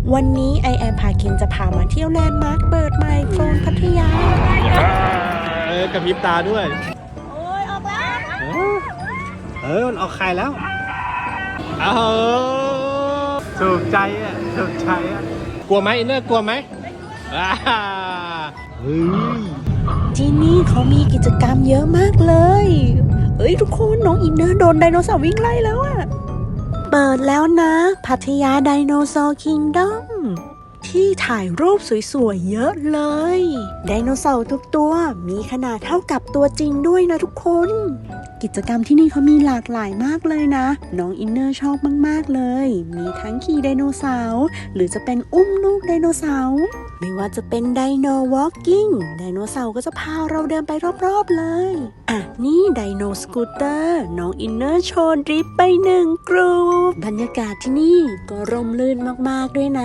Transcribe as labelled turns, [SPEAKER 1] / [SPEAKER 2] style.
[SPEAKER 1] วันนี้ไอแอมพาคินจะพามาเที่ยวแลนด์มาร์คเปิดใหม่โซนพัทย
[SPEAKER 2] ากระพริบตาด้วย
[SPEAKER 1] โอ้ยออกแล้ว
[SPEAKER 2] มันออกไข่แล้วถูกใจอ่ะถูกใจอ่ะกลัวไหมอินเนอร์กลัวไหมเฮ้ย
[SPEAKER 1] ที่นี่เขามีกิจกรรมเยอะมากเลยทุกคนน้องอินเนอร์โดนไดโนเสาร์วิ่งไล่แล้วอะเปิดแล้วนะพัทยาไดโนเสาร์คิงดอมที่ถ่ายรูปสวยๆเยอะเลยไดโนเสาร์ทุกตัวมีขนาดเท่ากับตัวจริงด้วยนะทุกคนกิจกรรมที่นี่เขามีหลากหลายมากเลยนะน้องอินเนอร์ชอบมากๆเลยมีทั้งขี่ไดโนเสาร์หรือจะเป็นอุ้มลูกไดโนเสาร์ไม่ว่าจะเป็นไดโนวอล์กกิ้งไดโนเสาร์ก็จะพาเราเดินไปรอบๆเลยนี่ไดโนสกูตเตอร์น้องอินเนอร์โชว์ดริฟต์ไป1 กรุ๊ปบรรยากาศที่นี่ก็ร่มรื่นมากๆด้วยนะ